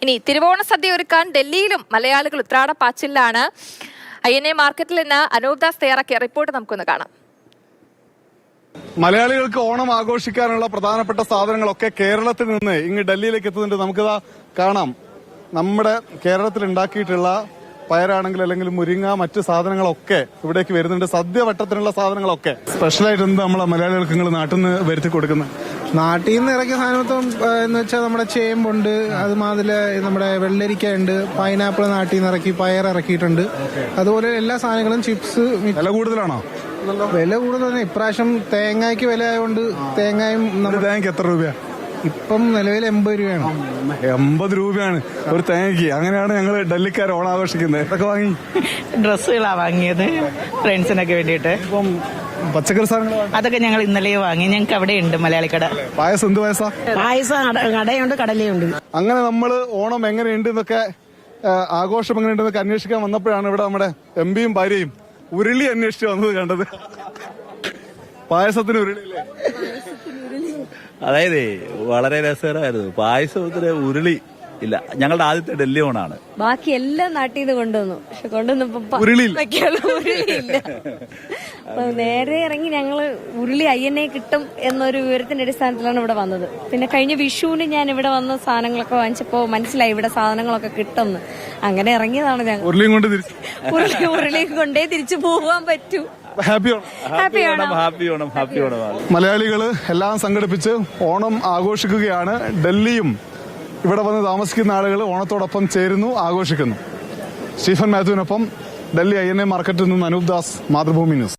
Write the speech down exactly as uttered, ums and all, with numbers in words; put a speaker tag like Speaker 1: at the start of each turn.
Speaker 1: ഇനി തിരുവോണ സദ്യ ഒരുക്കാൻ ഡൽഹിയിലും മലയാളികൾ ഉത്രാട പാച്ചിലാണ്. ഐ എൻ എ മാർക്കറ്റിൽ നിന്ന് അനൂപ് ദാസ് തയ്യാറാക്കിയ റിപ്പോർട്ട് നമുക്കൊന്ന് കാണാം.
Speaker 2: മലയാളികൾക്ക് ഓണം ആഘോഷിക്കാനുള്ള പ്രധാനപ്പെട്ട സാധനങ്ങളൊക്കെ കേരളത്തിൽ നിന്ന് ഇങ്ങ് ഡൽഹിയിലേക്ക് എത്തുന്നുണ്ട്. നമുക്കിതാ കാണാം, നമ്മുടെ കേരളത്തിൽ ഉണ്ടാക്കിയിട്ടുള്ള പയറാണെങ്കിൽ അല്ലെങ്കിൽ മുരിങ്ങ മറ്റു സാധനങ്ങളൊക്കെ ഇവിടേക്ക് വരുന്നുണ്ട്. സദ്യ വട്ടത്തിനുള്ള സാധനങ്ങളൊക്കെ സ്പെഷ്യലായിട്ട് എന്ത് നമ്മളെ മലയാളികൾക്ക് നിങ്ങൾ നാട്ടിൽ നിന്ന് വരുത്തി കൊടുക്കുന്നത്?
Speaker 3: നാട്ടിൽ നിന്ന് ഇറക്കിയ സാധനത്വം എന്ന് വെച്ചാൽ നമ്മുടെ ചേമ്പുണ്ട്, അതുമാതിരി നമ്മുടെ വെള്ളരിക്ക ഉണ്ട്, പൈനാപ്പിൾ നാട്ടിൽ നിന്ന് ഇറക്കി, പയർ ഇറക്കിയിട്ടുണ്ട്. അതുപോലെ എല്ലാ സാധനങ്ങളും ചിപ്സ്.
Speaker 2: വില കൂടുതലാണോ?
Speaker 3: വില കൂടുതലാണ് ഇപ്രാവശ്യം. തേങ്ങയ്ക്ക് വില ആയതുകൊണ്ട് തേങ്ങയും
Speaker 2: തേങ്ങയ്ക്ക് എത്ര രൂപ
Speaker 3: ഇപ്പം നിലവിൽ എൺപത് രൂപയാണ്.
Speaker 2: എൺപത് രൂപയാണ് ഒരു തേങ്ങയ്ക്ക്. അങ്ങനെയാണ് ഞങ്ങൾ ഡൽഹിക്കാർ ഓണം ആഘോഷിക്കുന്നത്. ഇതൊക്കെ വാങ്ങി
Speaker 4: ഡ്രസ്സുകളാ വാങ്ങിയത് ഫ്രണ്ട്സിനൊക്കെ വേണ്ടിയിട്ട്.
Speaker 2: ഇപ്പം പച്ചക്കറി സാധനങ്ങൾ
Speaker 4: അതൊക്കെ ഞങ്ങൾ ഇന്നലെ വാങ്ങി. ഞങ്ങൾക്ക് അവിടെ ഉണ്ട് മലയാളി കട.
Speaker 2: പായസം എന്ത് പായസാ?
Speaker 4: പായസം കടയുണ്ട്, കടലയുണ്ട്.
Speaker 2: അങ്ങനെ നമ്മള് ഓണം എങ്ങനെയുണ്ട് എന്നൊക്കെ, ആഘോഷം എങ്ങനെയുണ്ടെന്നൊക്കെ അന്വേഷിക്കാൻ വന്നപ്പോഴാണ് ഇവിടെ നമ്മുടെ എം പിയും ഭാര്യയും ഉരുളി അന്വേഷിച്ച് വന്നത് കണ്ടത്. പായസത്തിന് ഉരുളിയില്ലേ?
Speaker 5: അതായത് വളരെ രസകരമായിരുന്നു. പായസത്തിന് ഉരുളി ഇല്ല. ഞങ്ങളുടെ ആദ്യത്തെ ഡൽഹി ഓണാണ്.
Speaker 6: ബാക്കി എല്ലാം നാട്ടിൽ നിന്ന് കൊണ്ടുവന്നു. പക്ഷെ കൊണ്ടുവന്നപ്പോ
Speaker 2: ഉരുളിയില്ല.
Speaker 6: ഉരുളിയില്ല. അപ്പൊ നേരെ ഇറങ്ങി ഞങ്ങള് ഉരുളി ഐ എൻ എ കിട്ടും എന്നൊരു വിവരത്തിന്റെ അടിസ്ഥാനത്തിലാണ് ഇവിടെ വന്നത്. പിന്നെ കഴിഞ്ഞ വിഷുവിന് ഞാൻ ഇവിടെ വന്ന സാധനങ്ങളൊക്കെ വാങ്ങിച്ചപ്പോ മനസ്സിലായി ഇവിടെ സാധനങ്ങളൊക്കെ കിട്ടുമെന്ന്. അങ്ങനെ ഇറങ്ങിയതാണ് ഞങ്ങൾ.
Speaker 2: ഉരുളിയും കൊണ്ട് തിരിച്ചു
Speaker 6: ഉരുളി ഉരുളിയും കൊണ്ടേ തിരിച്ചു പോകാൻ പറ്റൂ.
Speaker 2: Happy
Speaker 5: happy Onam, happy Onam, happy Onam.
Speaker 2: മലയാളികള് എല്ലാം സംഘടിപ്പിച്ച് ഓണം ആഘോഷിക്കുകയാണ്. ഡൽഹിയും ഇവിടെ വന്ന് താമസിക്കുന്ന ആളുകൾ ഓണത്തോടൊപ്പം ചേരുന്നു, ആഘോഷിക്കുന്നു. സ്റ്റീഫൻ മാത്യുവിനൊപ്പം ഡൽഹി ഐ എൻ എ മാർക്കറ്റിൽ നിന്ന് അനൂപ് ദാസ്, മാതൃഭൂമി ന്യൂസ്.